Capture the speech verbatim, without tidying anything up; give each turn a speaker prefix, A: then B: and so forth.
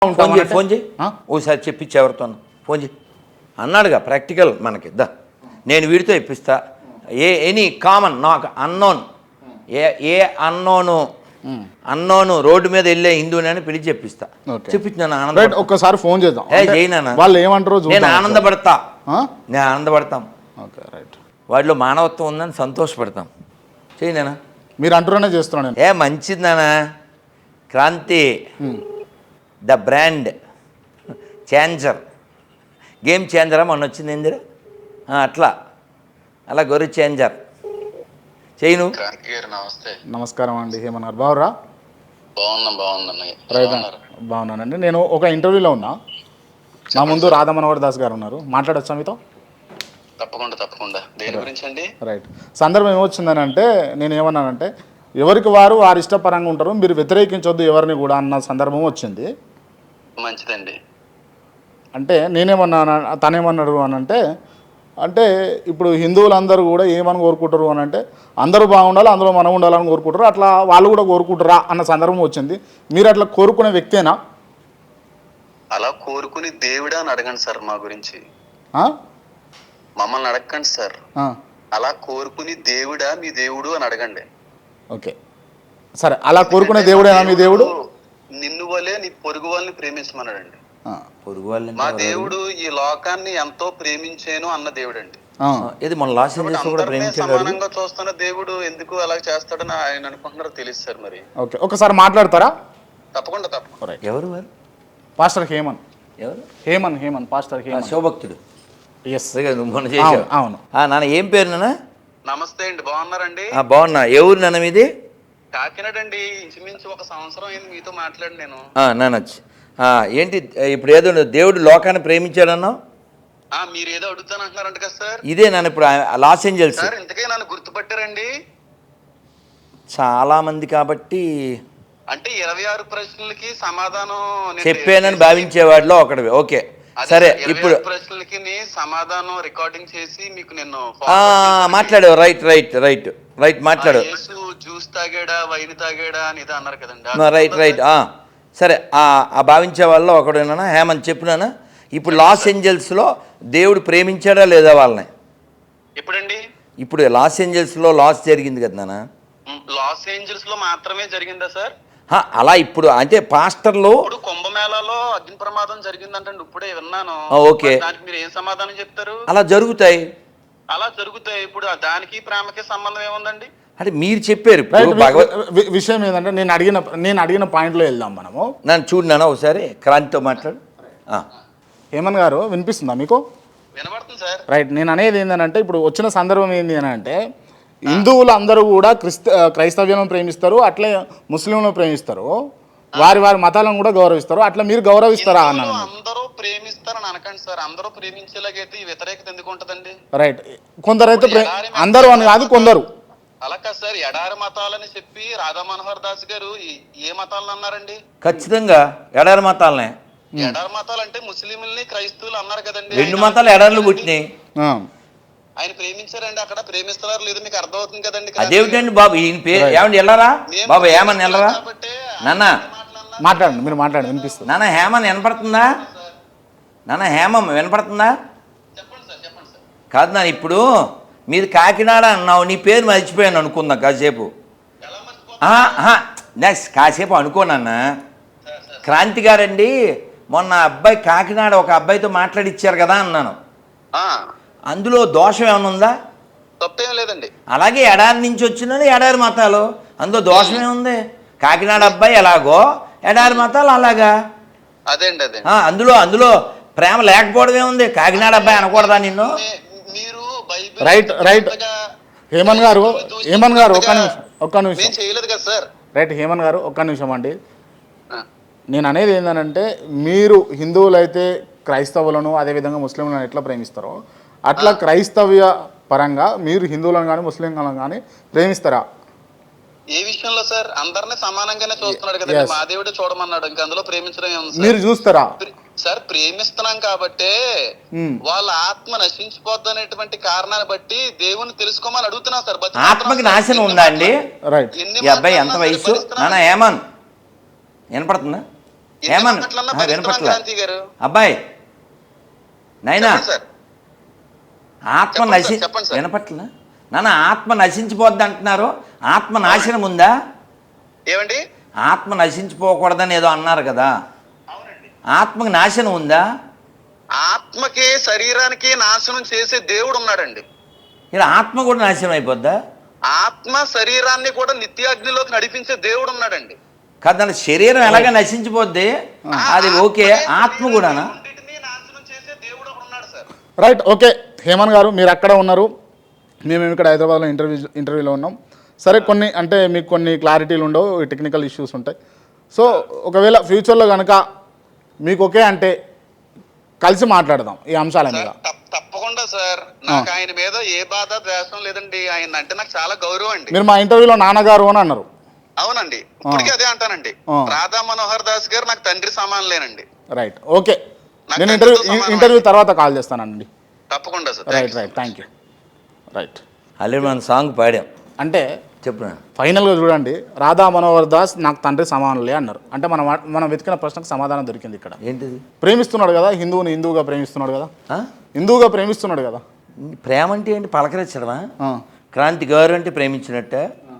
A: Phone చేయి phone చేయి ఓసారి చెప్పించి ఎవరితో ఫోన్ చేయి అన్నాడుగా ప్రాక్టికల్ మనకి దా నేను వీడితో ఇప్పిస్తా ఏ ఎనీ కామన్ నాకు unknown uh uh unknown unknown road మీద వెళ్ళే హిందువుని పిలిచి చెప్పిస్తా చెప్పించాను ఆనంద
B: ఒక్కసారి ఫోన్ చేద్దాం
A: ఏ చేయనా
B: వాళ్ళు ఏమంటారు
A: నేను ఆనందపడతా నేను ఆనందపడతాం వాటిలో మానవత్వం ఉందని సంతోషపడతాం చేయనా
B: మీరు అంటున్నానే చేస్తున్నాను
A: ఏ మంచిది Kranthi the brand changer game చేంజరా మొన్న వచ్చింది ఏందిరా అట్లా అలా గొర్రె చేంజర్ చేయను.
C: నమస్తే
B: నమస్కారం అండి హేమన్నారు బాగురా
C: బాగున్నా బాగున్నా
B: రైట్ బాగున్నానండి. నేను ఒక ఇంటర్వ్యూలో ఉన్నా, నా ముందు రాధా మనోహర్ దాస్ గారు ఉన్నారు, మాట్లాడొచ్చా మీతో?
C: తప్పకుండా తప్పకుండా. దేని గురించి అండి?
B: రైట్ సందర్భం ఏమొచ్చిందని అంటే నేను ఏమన్నానంటే ఎవరికి వారు వారి ఇష్టపరంగా ఉంటారు, మీరు వ్యతిరేకించొద్దు ఎవరిని కూడా అన్న సందర్భం వచ్చింది.
C: మంచిదండి.
B: అంటే నేనేమన్నా తనేమన్నాడు అని అంటే అంటే ఇప్పుడు హిందువులందరూ కూడా ఏమని కోరుకుంటారు అని అంటే అందరూ బాగుండాలి, అందులో మనం ఉండాలని కోరుకుంటారు, అట్లా వాళ్ళు కూడా కోరుకుంటారా అన్న సందర్భం వచ్చింది. మీరు అట్లా కోరుకునే వ్యక్తేనా?
C: అలా కోరుకుని దేవుడా అని అడగండి సార్. మా గురించి మమ్మల్ని అడగండి సార్. అలా కోరుకుని దేవుడా మీ దేవుడు అని అడగండి.
B: ఓకే సరే, అలా కోరుకునే దేవుడేనా మీ దేవుడు?
C: నిన్ను వలే నీ పొరుగు వాళ్ళని ప్రేమించమన్నాడండి.
A: పొరుగు వాళ్ళని
C: మా దేవుడు ఈ లోకాన్ని ఎంతో ప్రేమించాను అన్న దేవుడు అండి.
A: ఇది మన లాస్ ఏంజల్స్ కూడా ప్రేమించాడు.
C: సమానంగా చూస్తున్న దేవుడు ఎందుకు అలా చేస్తాడని ఆయన అనుకుంటున్నారో తెలుసు సార్. మరి
B: ఓకే ఒకసారి మాట్లాడతారా?
C: తప్పకుండా తప్పకుండా.
A: ఎవరు వారు?
B: పాస్టర్ హేమన్.
A: ఎవరు?
B: హేమన్ హేమన్ పాస్టర్ హేమన్,
A: శివభక్తుడు.
B: ఎస్
A: మొన్న చేశావు.
B: అవును.
A: నాన్న ఏం పేరు నాన్న?
C: నమస్తే అండి, బాగున్నారండి?
A: బాగున్నా. ఏ ఊరు నాన్న మీది?
C: కాకినాడ అండి. ఇంచుమించు ఒక సంవత్సరం అయింది మీతో మాట్లాడి నేను.
A: నానొచ్చి ఏంటి ఇప్పుడు ఏదో దేవుడు లోకాన్ని ప్రేమించాడన్నావు,
C: మీరు ఏదో అడుగుతాను అంటున్నారంట కదా సార్?
A: ఇదే నన్ను ఇప్పుడు లాస్ ఏంజల్స్.
C: సార్ ఇంతకే నన్ను గుర్తుపట్టారండి?
A: చాలా మంది కాబట్టి
C: అంటే ఇరవై ఆరు ప్రశ్నలకి సమాధానం
A: చెప్పానని భావించేవాడిలో ఒకటి. ఓకే సరే, ఇప్పుడు
C: ప్రశ్నలకి సమాధానం రికార్డింగ్ చేసి మీకు నేను
A: మాట్లాడావు. రైట్ రైట్ రైట్ రైట్ మాట్లాడు.
C: జ్యూస్ తాగాడా వైన్ తాగాడా అని ఇదే అన్నారు కదండి.
A: రైట్ రైట్ సరే, ఆ భావించే వాళ్ళు ఒకడేనా హేమంత్ చెప్పినానా? ఇప్పుడు లాస్ ఏంజల్స్లో దేవుడు ప్రేమించాడా లేదా వాళ్ళని?
C: ఎప్పుడండి?
A: ఇప్పుడు లాస్ ఏంజల్స్లో లాస్ జరిగింది కదా నాన్న.
C: లాస్ ఏంజల్స్ లో మాత్రమే జరిగిందా సార్?
A: అలా ఇప్పుడు అంటే పాస్టర్లు
C: ఇప్పుడు కుంభమేళాలో అగ్ని ప్రమాదం జరిగిందంటే ఇప్పుడే విన్నాను.
A: ఓకే,
C: దానికి మీరు ఏం సమాధానం చెప్తారు?
A: అలా జరుగుతాయి.
C: అలా జరుగుతాయి. ఇప్పుడు దానికి ప్రేమకి సంబంధం ఏముందండి?
A: అంటే మీరు చెప్పారు.
B: విషయం ఏంటంటే నేను అడిగిన నేను అడిగిన పాయింట్లో వెళ్దాం మనము.
A: నన్ను చూడనా ఒకసారి, క్రాంతితో మాట్లాడు.
B: హేమన్ గారు వినిపిస్తుందా మీకు?
C: వినబడుతుంది సార్.
B: రైట్, నేను అనేది ఏంటంటే ఇప్పుడు వచ్చిన సందర్భం ఏంటి అని అంటే హిందువులు అందరూ కూడా క్రిస్త క్రైస్తవ్యం ప్రేమిస్తారు, అట్లే ముస్లింలను ప్రేమిస్తారు, వారి వారి మతాలను కూడా గౌరవిస్తారు. అట్లా మీరు గౌరవిస్తారా అన్నాను.
C: అందరూ ప్రేమిస్తారని అనకండి సార్. అందరూ ప్రేమించేలాగైతే ఈ వ్యతిరేకత ఎందుకు ఉంటదండి?
B: రైట్, కొందరైతే అందరూ అని కాదు, కొందరు.
C: అలా కాదు సార్, ఎడారి మతాలని చెప్పి రాధా మనోహర్ దాస్ గారు ఏ మతాలను అన్నారండి?
A: ఖచ్చితంగా ఎడారి మతాలనే.
C: ఎడారి మతాలు అంటే ముస్లింలని క్రైస్తవులు అన్నారు కదండి.
A: రెండు మతాలు ఎడార్లు పుట్టినాయి.
C: ఆయన ప్రేమించారండి. అక్కడ ప్రేమిస్తున్నారు లేదు మీకు అర్థమవుతుంది కదండి.
A: అదేమిటండి బాబు ఈయన పేరు ఏమండి వెళ్ళరా బాబు? హేమన్ వెళ్ళరా నాన్న?
B: మాట్లాడండి, మీరు మాట్లాడండి, వినిపిస్తుంది.
A: నాన్న హేమన్ వినపడుతుందా? నాన్న హేమం వినపడుతుందా?
C: చెప్పండి సార్ చెప్పండి సార్.
A: కాదు నాన్న, ఇప్పుడు మీది కాకినాడ అన్నావు, నీ పేరు మర్చిపోయాను అనుకుందాం కాసేపు. నెక్స్ట్ కాసేపు అనుకోనన్నా. క్రాంతి గారండి మొన్న అబ్బాయి కాకినాడ ఒక అబ్బాయితో మాట్లాడిచ్చారు కదా అన్నాను. అందులో దోషం ఏమైనా ఉందా?
C: తప్పేం లేదండి.
A: అలాగే ఎడారి నుంచి వచ్చినది ఎడారి మతాలు, అందులో దోషం ఏముంది? కాకినాడ అబ్బాయి ఎలాగో ఎడారి మతాలు అలాగా.
C: అదే అండి అదే.
A: అందులో అందులో ప్రేమ లేకపోవడం ఏముంది? కాకినాడ అబ్బాయి అనకూడదా నిన్ను?
B: రైట్ రైట్ హేమన్ గారు హేమన్ గారు ఒక్క నిమిషం ఒక్క నిమిషం
C: చేయలేదు కదా సార్.
B: రైట్ హేమన్ గారు ఒక్క నిమిషం అండి. నేను అనేది ఏంటంటే మీరు హిందువులు అయితే క్రైస్తవులను అదేవిధంగా ముస్లింలను ఎట్లా ప్రేమిస్తారో అట్లా క్రైస్తవ్య పరంగా మీరు హిందువులను కానీ ముస్లింలను కానీ ప్రేమిస్తారా?
C: ఏ విషయంలో సార్? అందరినీ సమానంగానే చూస్తున్నాడు కదా. మా దేవుడు చూడమన్నాడు, ఇంకా అందులో ప్రేమించడం ఏముంది?
B: మీరు చూస్తారా
C: సార్? ప్రేమిస్తున్నాం కాబట్టి వాళ్ళ ఆత్మ నశించిపోద్ది అనేటువంటి కారణాన్ని బట్టి దేవుని తెలుసుకోమని అడుగుతున్నాం సార్.
A: ఆత్మకి నాశనం ఉందా అండి? ఈ అబ్బాయి ఎంత వయసు నాన్న? ఏమన్ వినపడుతుందా?
C: ఎన్ని
A: ఏమన్నా
C: మాటలన్నా
A: ఆ,
C: భరిస్తున్నాం
A: వినపట్ల
C: క్రాంతి గారు.
A: అబ్బాయి నైనా
C: చెప్పండి సార్.
A: ఆత్మ
C: చెప్పండి
A: నశి
C: సార్, చెప్పండి సార్.
A: వినపట్ల నాన్న ఆత్మ నశించిపోద్ది అంటున్నారు. ఆత్మ నాశనం ఉందా?
C: ఏమండి?
A: ఆత్మ నశించిపోకూడదని ఏదో అన్నారు కదా, ఆత్మకి నాశనం ఉందా?
C: ఆత్మకి శరీరానికి నాశనం చేసే దేవుడు ఉన్నాడండి.
A: ఇలా ఆత్మ కూడా నాశనం అయిపోద్దా?
C: ఆత్మ శరీరాన్ని కూడా నిత్యాగ్నిలోకి నడిపించే దేవుడు ఉన్నాడండి.
A: కాదు, దాని శరీరం ఎలాగ నశించిపోద్ది, అది ఓకే. ఆత్మ కూడానా?
C: రెండింటినీ నాశనం చేసే దేవుడు ఒకడు ఉన్నాడు సార్.
B: Right, okay. హేమంత్ గారు మీరు అక్కడ ఉన్నారు, మేము ఇక్కడ హైదరాబాద్లో ఇంటర్వ్యూ ఇంటర్వ్యూలో ఉన్నాం. సరే, కొన్ని అంటే మీకు కొన్ని క్లారిటీలు ఉండవు, టెక్నికల్ ఇష్యూస్ ఉంటాయి. సో ఒకవేళ ఫ్యూచర్లో కనుక మీకు ఓకే అంటే కలిసి మాట్లాడదాం ఈ అంశాల మీద.
C: సార్, తప్ప- తప్పకుండా సార్. నాకు ఆయన మీద ఏ బాధ ద్వేషం లేదండి. ఆయన అంటే నాకు చాలా గౌరవం అండి.
B: మీరు మా ఇంటర్వ్యూలో నాన్నగారు అని అన్నారు.
C: అవునండి, ఇప్పటికీ అదే అంటానండి.
B: ఆ.
C: రాధా మనోహర్ దాస్ గారు నాకు తండ్రి సమానులేనండి.
B: Right, okay.
C: నాకు
B: నేను ఇంటర్వ్యూ
C: తండ్రితో సమానం
B: ఇంటర్వ్యూ తర్వాత కాల్ చేస్తానండి.
C: తప్పకుండా sir.
B: Right right thank you. Right,
A: already మనం సాంగ్ పాడాం.
B: అంటే
A: చెప్పు.
B: ఫైనల్గా చూడండి, రాధా మనోహర్ దాస్ నాకు తండ్రి సమానులే అన్నారు. అంటే మనం మనం వెతికిన ప్రశ్నకు సమాధానం దొరికింది ఇక్కడ.
A: ఏంటిది?
B: ప్రేమిస్తున్నాడు కదా, హిందువుని హిందువుగా ప్రేమిస్తున్నాడు కదా,
A: ఆ?
B: హిందువుగా ప్రేమిస్తున్నాడు కదా.
A: ప్రేమ అంటే ఏంటి? పలకరించడమా?
B: ఆ.
A: క్రాంతి గారు అంటే ప్రేమించినట్టే.